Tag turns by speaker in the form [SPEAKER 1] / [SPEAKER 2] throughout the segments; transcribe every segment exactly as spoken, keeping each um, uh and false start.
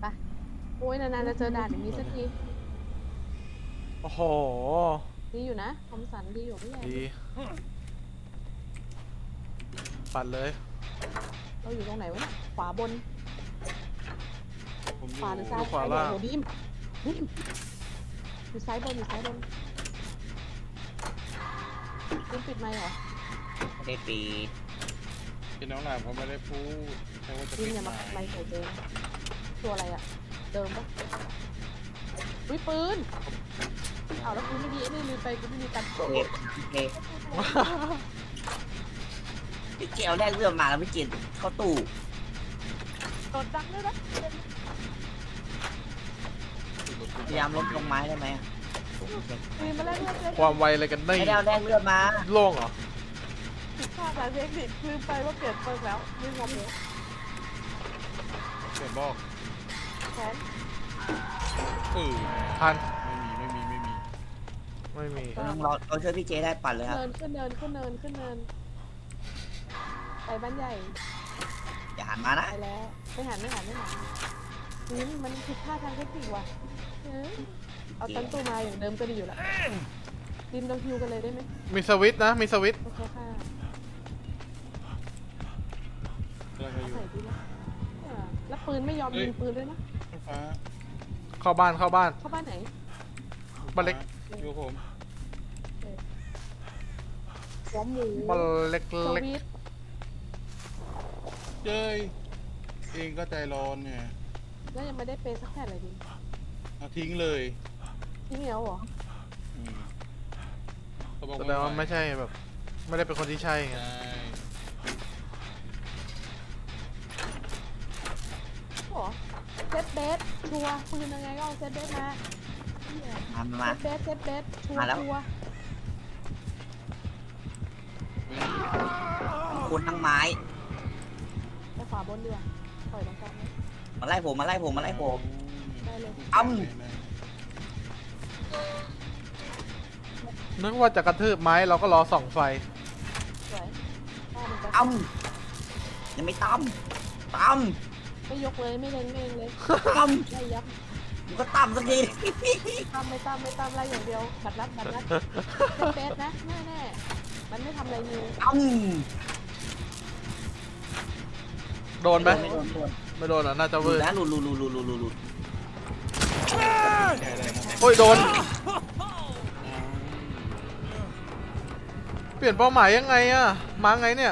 [SPEAKER 1] ไปโอ้ยนานๆจะเจอด่านอย่างนี้สักที
[SPEAKER 2] โอ้โห
[SPEAKER 1] ดีอยู่นะคอมสันดีอยู่พี่ใหญ่
[SPEAKER 2] ดีปัดเลย
[SPEAKER 1] เราอยู่ตรงไหนวะเนี่ยขวาบน
[SPEAKER 3] ผมอ
[SPEAKER 1] ขวาหรื
[SPEAKER 3] ยู่
[SPEAKER 1] อซ้าย
[SPEAKER 2] ขวาล่าง
[SPEAKER 1] โอ้โหดิมดิมอยู่ซ้ายบนอยู่ซ้ายบนดิมปิดไมค์เหรอ
[SPEAKER 4] ไม่ได้ปี
[SPEAKER 3] พี่น้องหลานเขาไม่ได้พูดแค่ว่าจะ
[SPEAKER 1] ดิ
[SPEAKER 3] ปิ
[SPEAKER 1] ม
[SPEAKER 3] ด
[SPEAKER 1] อย่า
[SPEAKER 3] ไม
[SPEAKER 1] มา
[SPEAKER 3] ค์
[SPEAKER 1] ไมค์ใส่เจมตัวอะไรอะเดิมปะอุ้ยปืนเอาแล้วกูไม่ดีไอ้นี่ลืมไปกูไม่มีตังค์
[SPEAKER 4] โอเคโอเคพี่เจเอาแรกเรื่องมาแล้วพี่เจเข้าตู้
[SPEAKER 1] โดนดังด้วยนะ
[SPEAKER 4] พยายามลดลงไม้ได้ไหม
[SPEAKER 1] ปืนมาแล้วเลือดเลย
[SPEAKER 2] ความไวอะไรกันนี่
[SPEAKER 4] ไม่ได้เอาแรกเลือดมา
[SPEAKER 2] โล่งเหรอ
[SPEAKER 1] ผิดพลาดหลายเทคนิคลืมไปว่าเปลี่ยนเปิร์กแล้วไม่งงเลย
[SPEAKER 3] เขียนบอก
[SPEAKER 1] แขน
[SPEAKER 3] เออ
[SPEAKER 2] ทัน
[SPEAKER 3] ไม่มีไม่มีไม่มี
[SPEAKER 2] ไม่มี
[SPEAKER 4] เราเราช่วยพี่เจได้ปั่นเลยครับ
[SPEAKER 1] เนินขึ้นเนินขึ้นเนินขึ้นเนินไปบ้านใหญ่
[SPEAKER 4] อย่าหันมานะ
[SPEAKER 1] ไปแล้วไม่หันไม่หันไม่หันนี่มันผิดพลาดทางเทคนิคว่ะเออเอาตันตู้มาอย่างเดิมก็ดีอยู่ละดินเราฮิวกันเลยได้ไหม
[SPEAKER 2] มีสวิตช์นะ มีสวิตช์
[SPEAKER 1] โอเคค่ะ
[SPEAKER 3] แล้วก็
[SPEAKER 1] เอา
[SPEAKER 3] อยู่
[SPEAKER 1] ใส่ดีนะเออแล้วปืนไม่ยอมยิงปืนด้วยนะ
[SPEAKER 3] ฟ้า
[SPEAKER 2] เข้าบ้านเข้าบ้าน
[SPEAKER 1] เข้าบ้านไหน
[SPEAKER 2] บ้านเล็ก
[SPEAKER 3] อยู่ผม
[SPEAKER 1] หัวหมู
[SPEAKER 2] บ้านเล็ก
[SPEAKER 1] ส
[SPEAKER 2] เล็ก
[SPEAKER 1] วิต
[SPEAKER 3] เจ้ยเองก็ใจร้อนเนี่ย
[SPEAKER 1] แล้วยังไม่ได้เปย์สักแผ่นเลยดิ
[SPEAKER 3] เอาทิ้งเลย
[SPEAKER 1] พี่เหมียวเหรอ
[SPEAKER 3] อืมเขาบอก
[SPEAKER 2] แสดงว่าไม่ใช่แบบ ไม่ได้เป็นคนที่ใช่ไง
[SPEAKER 3] ใช่
[SPEAKER 1] เหรอเซตเบสชัวร์ปืนยังไงก็เอาเซตเบสมาเหี้ย
[SPEAKER 4] มามา
[SPEAKER 1] เซ
[SPEAKER 4] มา
[SPEAKER 1] ตเบสเซตเบสชัว
[SPEAKER 4] มา
[SPEAKER 1] ร์
[SPEAKER 4] แล้ว
[SPEAKER 1] ชัวร์
[SPEAKER 4] คนทั้งไม้
[SPEAKER 1] ไปขวาบนดีกว่าปล่อยตรงกลางเลย
[SPEAKER 4] มาไล่ผมมาไล่ผมมาไล่ผม
[SPEAKER 1] ได้เลย
[SPEAKER 4] อ้ำ
[SPEAKER 2] นึกว่าจะกระทืบไม้เราก็รอส่องไฟ
[SPEAKER 1] สวยได้มันจะ
[SPEAKER 4] ตั้มยังไม่ตั้มตั้ม
[SPEAKER 1] ไม่ยกเลยไม่เล็งไม่เล็งเลย
[SPEAKER 4] ตั้ม
[SPEAKER 1] ไล่ยับ
[SPEAKER 4] มึงก็ตั้มสักที
[SPEAKER 1] ตามไม่ตามไม่ตามไล่อย่างเดียวบัดรัดบัดรัดเซตเบสนะแน่แน่ๆมันไม่ทำอะไรนิว
[SPEAKER 4] ตั้ม
[SPEAKER 2] โดนไหม
[SPEAKER 4] ไม่โดนโดน
[SPEAKER 2] ไม่โดนอ่ะ น่าจะ
[SPEAKER 4] หลุ
[SPEAKER 2] เวื
[SPEAKER 4] ด
[SPEAKER 2] ด
[SPEAKER 4] นะหลุดหลุดหลุดหลุดหลุดหลุดหลุด
[SPEAKER 2] โอ้ย โดน เปลี่ยนเป้าหมายยังไงอะมาไงเนี่ย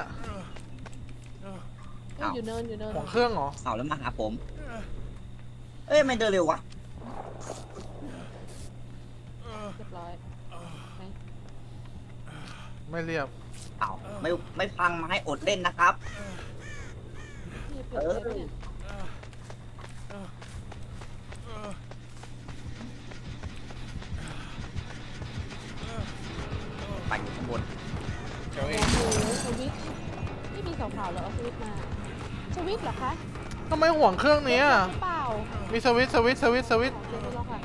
[SPEAKER 1] เอ้ยอยู่เนินอยู่เนิน
[SPEAKER 2] ของเครื่องเหรอ
[SPEAKER 4] เอาแล้วมาหาผม เอ้ยไม่เดินเร็ววะ
[SPEAKER 1] เรียบร้อยไหน
[SPEAKER 2] ไม่เรียบ
[SPEAKER 4] เอาไม่ไม่พังไม้อดเล่นนะครับ
[SPEAKER 1] พี่เปลี่ยนเซตเนี่ย
[SPEAKER 4] ปั่นอยู่ข้างบน
[SPEAKER 3] เจ้าเอ
[SPEAKER 1] โอ้
[SPEAKER 3] ง
[SPEAKER 1] โหสวิตช์ไม่มีสาวๆเหรอเอาสวิตช์มาสวิตช์เหรอคะ
[SPEAKER 2] ทำไมห่วงเครื่องนี้อะ
[SPEAKER 1] หรือเปล่า
[SPEAKER 2] มีสวิตช์สวิตช์สวิตช์สวิตช์
[SPEAKER 1] เดี๋ยวไปลองค่ะ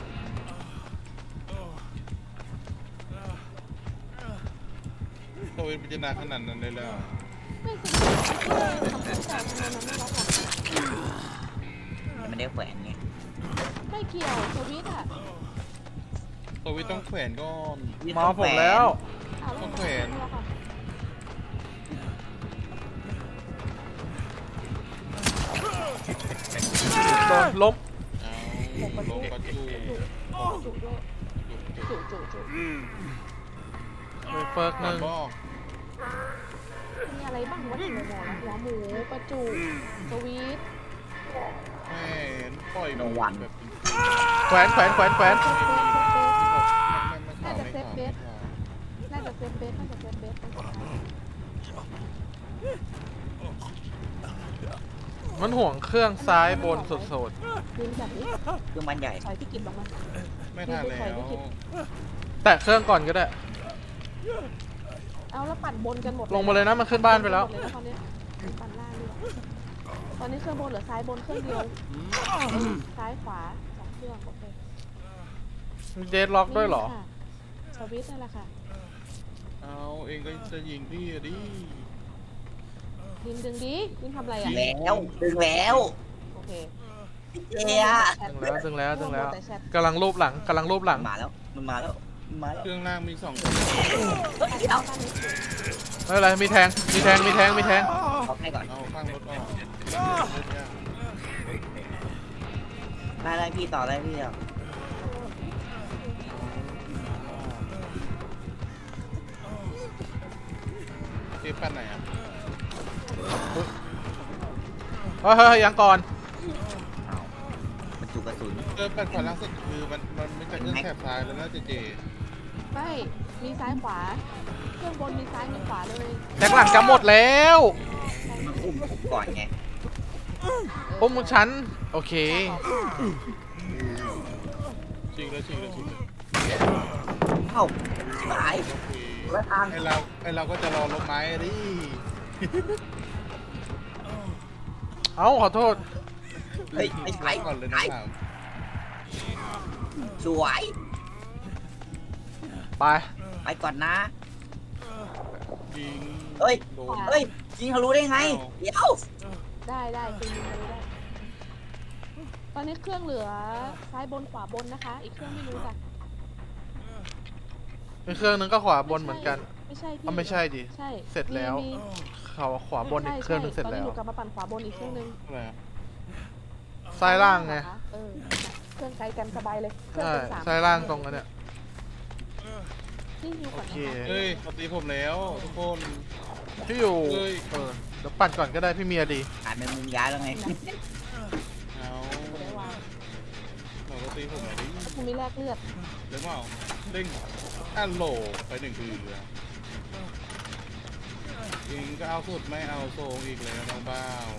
[SPEAKER 3] ตัวเองพิจารณาขนาดนั้นเลยแล้ว
[SPEAKER 1] ไม่สวิตช์เออทำให้แต่ทำไมมันไม่ล็อกอ่ะ
[SPEAKER 4] ยังไม่ได้แขวนไง
[SPEAKER 1] ไม่เกี่ยวสวิตช์อ่ะ
[SPEAKER 3] ตัววิต้องแขวนก่อน
[SPEAKER 2] มาผมแล้ว
[SPEAKER 1] อ้าวแล้ว
[SPEAKER 3] ต้องแขวน
[SPEAKER 1] ไม่ล็อกอ่ะ
[SPEAKER 2] โดนล้ม
[SPEAKER 3] เอาลงกระจู
[SPEAKER 1] จุด้วยจุจุจุ
[SPEAKER 2] ไปเฟิร์กห
[SPEAKER 3] มั
[SPEAKER 2] นึ่
[SPEAKER 3] น
[SPEAKER 2] ง
[SPEAKER 3] บอก
[SPEAKER 1] มีอะไรบ้างวะที่หมอหมอหัวหมูปลาจุสวิตช์
[SPEAKER 3] แม่นปล่อยหมูแบบ
[SPEAKER 2] แขวนแขวนแขวนแขวน
[SPEAKER 1] เซฟเบสเซฟเบส
[SPEAKER 3] ไม่ไม่ข่าวไม่ข่าวไม่ข่าว
[SPEAKER 1] น่าจะเซฟเบสน่าจะเซฟเบส
[SPEAKER 2] มันห่วงเครื่องซ้ายบนสุด
[SPEAKER 1] ยืนแบบนี้
[SPEAKER 4] เครื่องมันใหญ่
[SPEAKER 1] ถอยพี่กินลงมา
[SPEAKER 3] ไม่ทันแล้ว
[SPEAKER 2] ๆ แตะเครื่องก่อนก็ได้
[SPEAKER 1] เอาแล้วปั่นบนกันหมด
[SPEAKER 2] ลงมาเลยนะ มันขึ้นบ้านไปแล้ว
[SPEAKER 1] ตอนนี้ปั่นล่างเลยตอนนี้เครื่องบนเหลือซ้ายบนเครื่องเดียวซ้ายขวาสองเครื่องโอเค
[SPEAKER 2] มีเดดล็อกด้วยเหรอ
[SPEAKER 1] นี่ค่ะสวิตช์นั่นแหละค่ะ
[SPEAKER 3] เอาเองก็จะยิงพี่อะดิ
[SPEAKER 1] ดินดึงดิดินทำอะไรอ่ะ
[SPEAKER 4] แล้วดึงแล้ว
[SPEAKER 1] โอเค
[SPEAKER 4] เจ๊อะ
[SPEAKER 2] ถึงแล้วถึงแล้วถึงแล้ว
[SPEAKER 1] แต่ชท
[SPEAKER 2] กำลังรูปหลังกำลังรูปหลัง
[SPEAKER 4] มาแล้วมันมาแล้วมันมาแล้ว
[SPEAKER 3] เครื่องล่างมีสองคน
[SPEAKER 4] เฮ้ยเดี๋ยว
[SPEAKER 1] บ้านนี้สวย
[SPEAKER 2] ไม่เป็นไรมีแทงมีแทงมีแทงมีแทง
[SPEAKER 4] เอาให้ก่อน
[SPEAKER 3] เอาข้างรถออกเล่นยาก
[SPEAKER 4] ได้ได้พี่ต่อได้พี่เดียว
[SPEAKER 3] เจ๊ปั้นไหนอ่ะ
[SPEAKER 2] เฮ้ยเฮ้ยยังก่อน
[SPEAKER 4] เอาบรรจุกระสุน
[SPEAKER 3] เออปั้นขวาล่างสุดคือมันมันไม่ใช่เครื่องแถบซ้ายแล้วนะเจเจ
[SPEAKER 1] ไม่มีซ้ายขวา เครื่องบนมีซ้ายมีขวาเลย
[SPEAKER 2] แทงหลังจะหมดแล้ว
[SPEAKER 4] มันอุ้มผมก่อนไง
[SPEAKER 2] อุ้มฉันโอเค
[SPEAKER 3] ชิงเลยชิงเลยชิงเลย
[SPEAKER 4] เอ้าตาย
[SPEAKER 3] โอเค
[SPEAKER 4] แล้วทาง
[SPEAKER 3] ไอเราไอเราก็จะรอลงไม้ดิ
[SPEAKER 2] เอ้าขอโทษ
[SPEAKER 4] เฮ้ยไม่ใช่
[SPEAKER 3] ก่อนเลย
[SPEAKER 4] ไหน
[SPEAKER 3] นะ
[SPEAKER 4] สวย
[SPEAKER 2] ไป
[SPEAKER 4] ไปก่อนนะ
[SPEAKER 3] ยิง
[SPEAKER 4] เฮ้ย
[SPEAKER 3] โดน
[SPEAKER 4] เฮ้ยยิงทะลุได้ไง เดี๋ยว
[SPEAKER 1] ได้ได้คือยิงไปเลยได้ ตอนนี้เครื่องเหลือซ้ายบนขวาบนนะคะ อีกเครื่องไม่รู้จ้ะ
[SPEAKER 2] มีเครื่องนึงก็ขวาบนเหมือนกัน
[SPEAKER 1] ไม่ใช่พี่
[SPEAKER 2] อ๋อไม่ใช่ดิ
[SPEAKER 1] ใช่
[SPEAKER 2] เสร็จแล้ว
[SPEAKER 1] มี
[SPEAKER 2] เขาขวาบนอีกเครื่องนึงเสร็จ
[SPEAKER 1] ตอน
[SPEAKER 2] แล้
[SPEAKER 1] นี้
[SPEAKER 2] ว
[SPEAKER 1] หนูกลับมาปั่นขวาบนอีกเครื่องนึง
[SPEAKER 3] อะไรอะ
[SPEAKER 2] ซ้ายล่างไง
[SPEAKER 1] เออเครื่องไกลกันสบายเลยเครื่อง
[SPEAKER 2] ใช่
[SPEAKER 1] เป็นสาม
[SPEAKER 2] ซ้ายล่างตรงนั้นเนี่ย
[SPEAKER 1] ที่อยู่ก่อนนะ
[SPEAKER 2] โอเค
[SPEAKER 1] คะ
[SPEAKER 3] เฮ้ยเขาตีผมแล้วทุกคน
[SPEAKER 2] ที่อยู่
[SPEAKER 3] เฮ้ย
[SPEAKER 2] เออเดี๋ยวปั่นก่อนก็ได้พี่เมียดี
[SPEAKER 4] อ่านเป็นมุมย้ายแล้วไง
[SPEAKER 3] เอา
[SPEAKER 1] ไม่ได้วาง
[SPEAKER 3] เราก็ตีผมแล้วดิ
[SPEAKER 1] ถ้าคุณไม่แลกเลือด
[SPEAKER 3] หรือเปล่าเด้งอันโหลไปหนึ่งทีเดียวยิงก็เอาสุดไม่เอาโซงอีกแล้วน้องบ้าว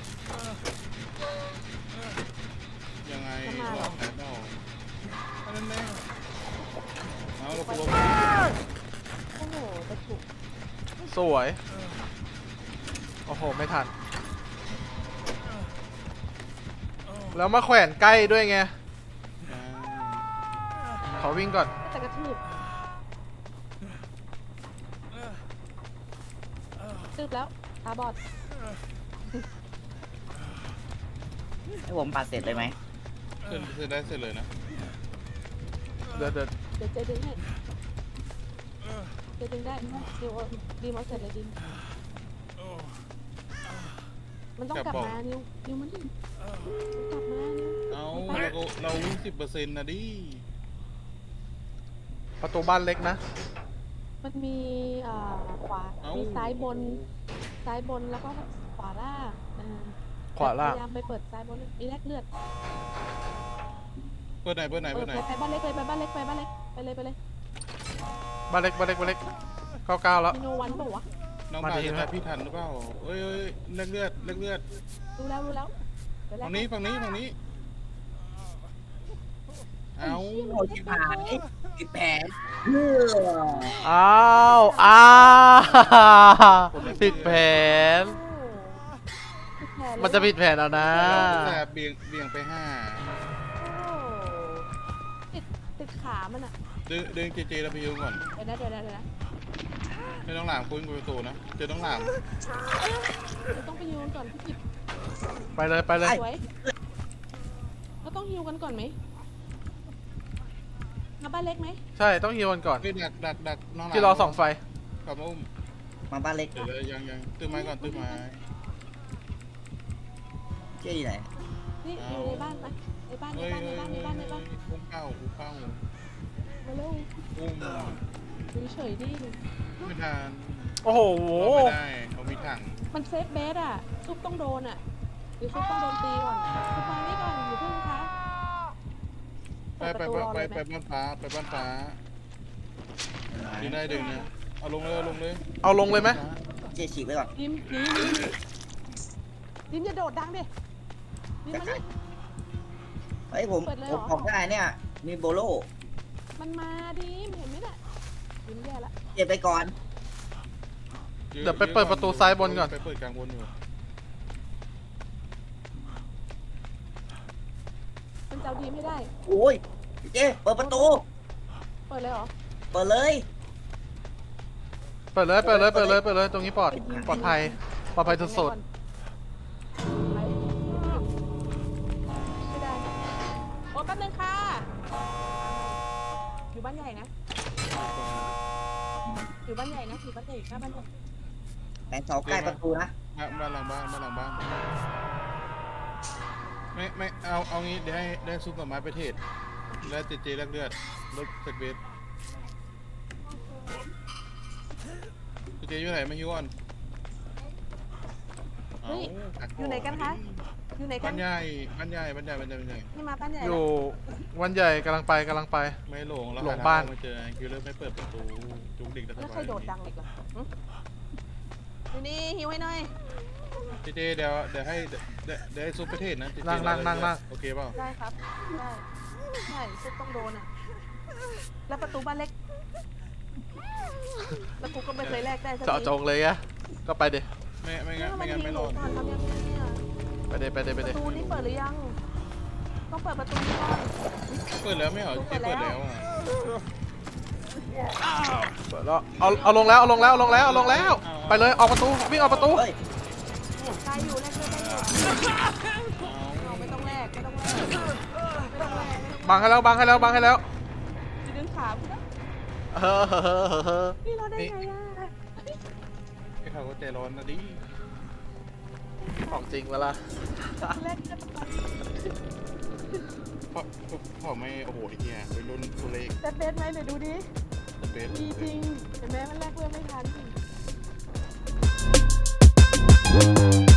[SPEAKER 3] ยังไงหลับแล้วเนาะอันนั้นแน่เอาเราลง
[SPEAKER 1] โอ้โหจะถูก
[SPEAKER 2] สวยโอ้โหไม่ทัน แล้วมาแขวนใกล้ด้วยไงขอวิ่งก่อน
[SPEAKER 1] จะกระทืบตืบแล้วตาบอด
[SPEAKER 4] ให้ผมปัดเสร็จเลยไหม
[SPEAKER 3] เสร็จเสร็จได้เสร็จเลยนะ
[SPEAKER 2] เดี๋ยวเดี๋ยว
[SPEAKER 1] เดี๋ยวเจดึงให้เจดึงได้เดี๋ยวดีมาเสร็จเลยดิมมันต้องกลับมานิวนิวมันดิกลับมานิว
[SPEAKER 3] เอาเราก็เราวิ่งสิบเปอร์เซ็นต์นะดิ
[SPEAKER 2] ประตูบ้านเล็กนะ
[SPEAKER 1] มันมีอ่าขวา
[SPEAKER 3] เอ้า
[SPEAKER 1] มีซ้ายบน ซ้ายบนแล้วก็ขวาล่างอ่า
[SPEAKER 2] ขวาล่าง
[SPEAKER 1] พยายามไปเปิดซ้ายบน มีแลกเลือด
[SPEAKER 3] เปิดไหนเปิดไหน
[SPEAKER 1] เปิ
[SPEAKER 3] เปิ
[SPEAKER 1] ด
[SPEAKER 3] ดไหน
[SPEAKER 1] ไปบ้านเล็กเลยไปบ้านเล็กไปบ้านเล็กไปเลยไปเลย
[SPEAKER 2] บ้านเล็กบ้านเล็กบ้านเล็กเก้าเก้าแล้ว
[SPEAKER 1] มีโนวันเปล่าวะ
[SPEAKER 3] น้อง
[SPEAKER 2] มา
[SPEAKER 3] บ่าว
[SPEAKER 2] ดี
[SPEAKER 3] จะ
[SPEAKER 2] ไหม
[SPEAKER 3] ทันพี่ทันหรือเปล่าเอ้ยเอ้ยเลือดเลือดเลือดเลือด
[SPEAKER 1] รู้แล้วรู้แล้วเดี๋ยวแลก
[SPEAKER 3] ฝั่งนี้ฝั่งนี้ฝั่งนี้เอา
[SPEAKER 4] โอ้ชิบหายปิดแผนเออ
[SPEAKER 2] อ้าวอ้าวผิดแผน
[SPEAKER 1] โอ้ผิดแผเลย
[SPEAKER 2] มันจะผิดแผนเอานะ
[SPEAKER 3] แต่เบี่ยงเบี่ยงไปห้า
[SPEAKER 1] โอ้ติดติดขามันอะ
[SPEAKER 3] ดึงดึงเจเจแล้วไปยืมก่อน
[SPEAKER 1] เดี๋ยวนะเดี๋ยวนะเดี๋ยวนะ
[SPEAKER 3] ให้น้องหลามคุยกับประตูนะเจอน้องหลาม
[SPEAKER 1] เดี๋ยวต้องไปยูนก่อนพี่กิบ
[SPEAKER 2] ไปเลยไปเลย
[SPEAKER 1] สวยเราต้องฮิวกันก่อนไหมมาบ้านเล็กไหม
[SPEAKER 2] ใช่ต้องฮิวกันก่อน
[SPEAKER 3] เฮ้ยดักดักดักน้องหลาม
[SPEAKER 2] ที่รอส่องไฟ
[SPEAKER 3] กลับมาอุ้ม
[SPEAKER 4] มาบ้านเล็ก
[SPEAKER 3] เดี๋ยวเลยยังยังตื้อไม้ก่อนตื้อไม้
[SPEAKER 4] เจ๊อยู่ไหน
[SPEAKER 1] นี่อยู่ในบ้านไปในบ้านใน
[SPEAKER 3] เฮ้ย
[SPEAKER 1] บ้านใน
[SPEAKER 3] เฮ้ย
[SPEAKER 1] บ้านใน
[SPEAKER 3] เฮ้ย
[SPEAKER 1] บ้านในบ้าน
[SPEAKER 3] อุ้มเข้าอุ้มเข้า
[SPEAKER 1] มาเร็ว
[SPEAKER 3] อุ้ม
[SPEAKER 1] ดูเฉยดิ
[SPEAKER 3] ไม่ทัน
[SPEAKER 2] โอ้โห
[SPEAKER 3] เอาไม่ได้เอามีถัง
[SPEAKER 1] มันเซฟเบสอ่ะซุปต้องโดนอ่ะหรือซุปต้องโดนตีก่อนซุปมานี่ก่อนอยู่าเพิ่งคะ
[SPEAKER 3] ไป
[SPEAKER 1] เปิด
[SPEAKER 3] ไป
[SPEAKER 1] ประตูรอ
[SPEAKER 3] ไป
[SPEAKER 1] เลยไหม
[SPEAKER 3] ไปบ้านฟ้าไปบ้านฟ้าดึงได้ดึงนะเอาลงเลยเอาลงเลย
[SPEAKER 2] เอาลงเลยไหม
[SPEAKER 4] เจ๊ฉีกไว้ก่อน
[SPEAKER 1] ดิมหนีหนีดิมอย่าโดดดังดิดิมมันนี่
[SPEAKER 4] เฮ้ยผม
[SPEAKER 1] เปิดเลย
[SPEAKER 4] ผ
[SPEAKER 1] เหรอ
[SPEAKER 4] มออกได้เนี่ย มีโบโล
[SPEAKER 1] มันมาดิมเห็นไหมเนี่ยดิมแย่ละ
[SPEAKER 4] เก็บไปก่อน
[SPEAKER 2] เดี๋ยวไปเปิดประตูซ้ายบนก่อน
[SPEAKER 3] ไปเปิดกลางบนอยู่
[SPEAKER 1] มันจะเอาดีไม่ได้
[SPEAKER 4] โอ้ยเจ๊เปิดประตู
[SPEAKER 1] เปิดเลยเหรอ
[SPEAKER 4] เปิดเลย
[SPEAKER 2] เปิดเลยเปิดเลยเปิดเลยเปิดเลยตรงนี้ปลอดปลอดภัยปลอดภัยสุด
[SPEAKER 1] ไปแป๊บนึงค่ะ อยู่บ้านใหญ่นะ อยู่บ้านใหญ่นะอยู่บ้านใหญ่หน้าบ้านใหญ่
[SPEAKER 4] แสงเสาใกล้ประตูนะ
[SPEAKER 3] บ้านหลังบ้านบ้านหลังบ้านไม่ไม่เอาเอางี้เดี๋ยวให้ได้ซุปหน่อไม้ไปเทศแล้วเจเจแลกเลือดรถเซกเบสเจเจอยู่ไหนไม่ฮิวก่อน
[SPEAKER 1] เฮ้ยอยู่ไหนกันคะ อยู่ไหนกั
[SPEAKER 3] บ้าน นใหญ่บ้านใหญ่บ้านใหญ่บ้านใหญ่บ้านใหญ่
[SPEAKER 1] นี่มาบ้านใหญ่
[SPEAKER 2] อ
[SPEAKER 1] แล้ว
[SPEAKER 2] ยู่วันใหญ่กำลังไปกำลังไป
[SPEAKER 3] ไม่หลงแล้ว
[SPEAKER 2] หลงบ้าน
[SPEAKER 3] มาเจอคิวเลอร์ไม่เปิดประตูจุกดิกแล้ว
[SPEAKER 1] แล้วใครโดดดังอีกเหรอหึอยู่นี่หิวให้หน่อย
[SPEAKER 3] เจเจเดี๋ยวเดี๋ยวให้เดี๋ยวเดี๋ยวให้ซุปไปเทศนะเจเจ
[SPEAKER 2] นั่งนั่งนั่งนั่ง
[SPEAKER 3] โอเคเปล่า
[SPEAKER 1] ได้ครับ ได้ใช่ซุปต้องโดนอ่ะ แล้วประตูบ้านเล็ก แล้วกูก็ไม่เคยแลกได้สัก
[SPEAKER 2] เจาะจงเลยอะก็ไปเด
[SPEAKER 3] ไม่ไม่
[SPEAKER 1] นี่
[SPEAKER 3] งั้น
[SPEAKER 1] มั
[SPEAKER 3] ไม่
[SPEAKER 1] น
[SPEAKER 3] งั้น
[SPEAKER 1] ยิ
[SPEAKER 3] ไม่
[SPEAKER 1] งห
[SPEAKER 3] ร
[SPEAKER 1] นู
[SPEAKER 3] อด
[SPEAKER 1] ก่อนทำยังไงอ่ะ
[SPEAKER 2] ไปเดไปเดไป
[SPEAKER 1] ป
[SPEAKER 2] เด
[SPEAKER 1] ระตูนี้เปิดหรือยัง ต้องเปิดประตูนี้ก่อน
[SPEAKER 3] เปิดแล้วไม่เหรอเจเปิดแล้วอ่ะ
[SPEAKER 2] เปิดแล้วเอาเอาลงแล้วเอาลงแล้วเอาลงแล้วเอาลงแล้ว ไปเลยออกประตูวิ่งออกประตู
[SPEAKER 4] เฮ้ย
[SPEAKER 1] ได้อยู่แลกด้วยได้อยู่เอาไม่ต้องแลกไม่ต้องแลกไม่ต้องแลกไม่ต้อง
[SPEAKER 2] บังให้แล้วบังให้แล้วบังให้แล้ว
[SPEAKER 1] จะดึงขาพี่นะ
[SPEAKER 2] เฮ้อเฮ้อเฮ้อเฮ้อ
[SPEAKER 1] นี่เราได้ไงอ่ะ
[SPEAKER 3] ไอ้เขาก็ใจร้อนนะดิ
[SPEAKER 2] ของจริงเวลา
[SPEAKER 1] แลกได้ประมาณ
[SPEAKER 3] พ่อพ่อไม่โอ้โหไอ้เหี้ยไปรุ่นตัวเล็ก
[SPEAKER 1] แต่เบสไหมเดี๋ยวดูดิ
[SPEAKER 3] เบส
[SPEAKER 1] ดีจริงเห็นไหมมันแลกเพื่อนไม่ทัน